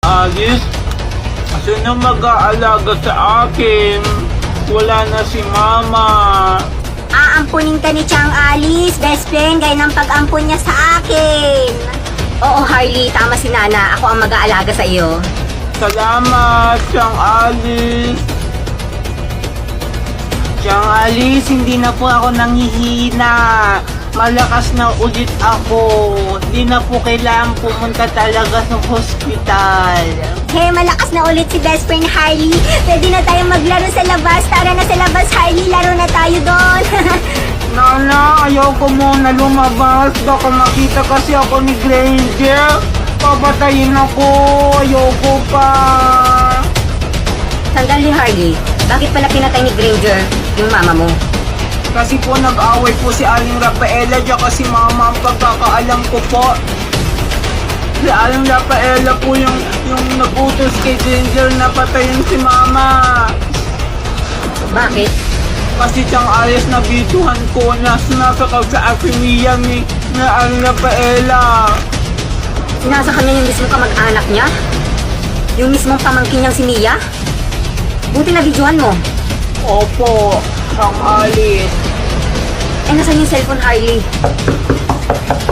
Alice, sino mag-aalaga sa akin? Wala na si Mama. Aampunin ka ni Chang Alice, best friend, gaya ng pag-ampun niya sa akin. Oo, Harley, tama si Nana. Ako ang mag-aalaga sa iyo. Salamat, Chang Alice. Chang Alice, hindi na po ako nanghihina. Malakas na ulit ako. Hindi na po kailangan pumunta talaga sa hospital. Hey, malakas na ulit si best friend Harley. Pwede na tayo maglaro sa labas. Tara na sa labas, Harley. Laro na tayo doon. Nana, ayoko muna lumabas. Baka makita kasi ako ni Granger. Papatayin ako. Ayoko pa. Sandali, Harley. Bakit pala pinatay ni Granger yung mama mo? Kasi po nag-away po si Aling Rafaela at si Mama ang pagkakaalam ko po. Si Aling Rafaela po yung nag-utos kay Ginger na patayin si Mama. Bakit? Kasi siyang Alice na bituhan ko na sinasakal sa akimiya ni Aling Rafaela. Sinasa kanya yung mismong kamag-anak niya? Yung mismong pamangkin niyang si Mia? Buti na videohan mo. Opo, siyang Alice. Eh, nasan yung cellphone, Harley?